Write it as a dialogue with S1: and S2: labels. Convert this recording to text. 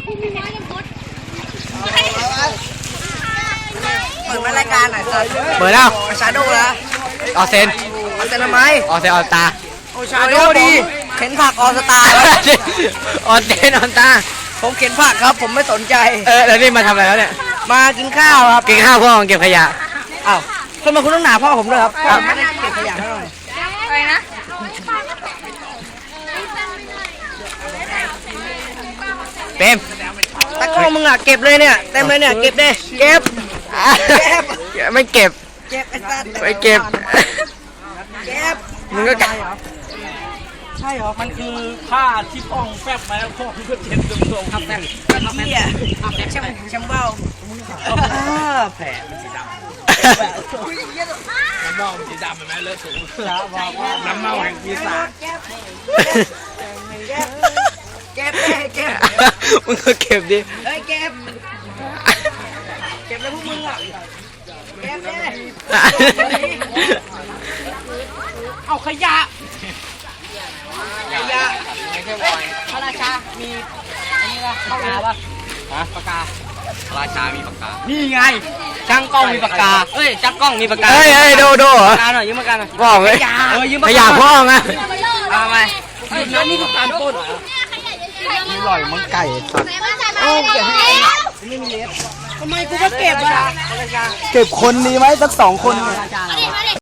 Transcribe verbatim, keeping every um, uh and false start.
S1: เปิดรายการหน่อยครับ
S2: เปิดแล้ว
S1: ชาโดว์แล้ว
S2: ออเซน
S1: ออเซนทำไม
S2: ออเซนออตา
S1: โอ้ชาโดว์ดีเข็นผักออสตาร์
S2: ออเซนออตา
S1: ผมเข็นผักครับผมไม่สนใจ
S2: เออแล้วนี่มาทำอะไรแล้วเนี่ย
S1: มากินข้าวครับ
S2: กินข้าวพ่อเก็บขยะ
S1: อ้าวทำไมคุณต้องหนาพ่อผมด้วยครับพ่อไม่ได้เก็บขยะให้หน่อย
S3: อะไรนะ
S2: เต็ม
S1: ตะกร้อมึงอ่ะเก็บเลยเนี่ยเต็มเลยเนี่ยเก็บดิเก็บ
S2: ไม่เก็บ
S1: เก็บไอ้สัตว์
S2: ไม่เก็บ
S1: เก็บ
S2: มึงก็
S1: ใช่เหรอ
S4: มันคือผ้าที่ป้องแฟบมาแล้วพวกเพื่อเช็ดตรงๆครับแม่
S1: เหี้ยแชมแชมเบ้าแผล
S4: น้ำเมาสีดำเห็นไหมเลอะสูงน้ำเมาแห่งปีศาจ
S1: เก็บเก็บเก็บ
S2: มึงก็เก็บดิ
S1: เฮ้ยเก็บเก็บเลยพวกมึงอ่ะเก็บเลย
S4: เอาขยะ
S1: ขยะ
S4: พระราชา มีอันนี้ป่ะปากกาป่ะฮะปากกาพระราชามีปากกา นี่ไงช่างกล้องมีปากกาเอ้ยช่างกล้องมีปากกา
S2: เฮ้ยเฮ้ยโดโดเหรอ
S4: ปากกาหน่อยยืมปากกาหน่อย
S2: พ่อเลย
S4: เออยืม
S2: ขยะพ่อไง
S4: เอาไปเฮ้ยแล้วนี่ปากกาปล้นเหรอ
S2: อร่อยมันไก่สัตว์
S1: โอ้เก็บให้ไม่มีเล็บทำไมกูก็เก็บอ่ะ
S2: เก็บคนดีไหมสักสองคน
S4: พระราชาเหรอ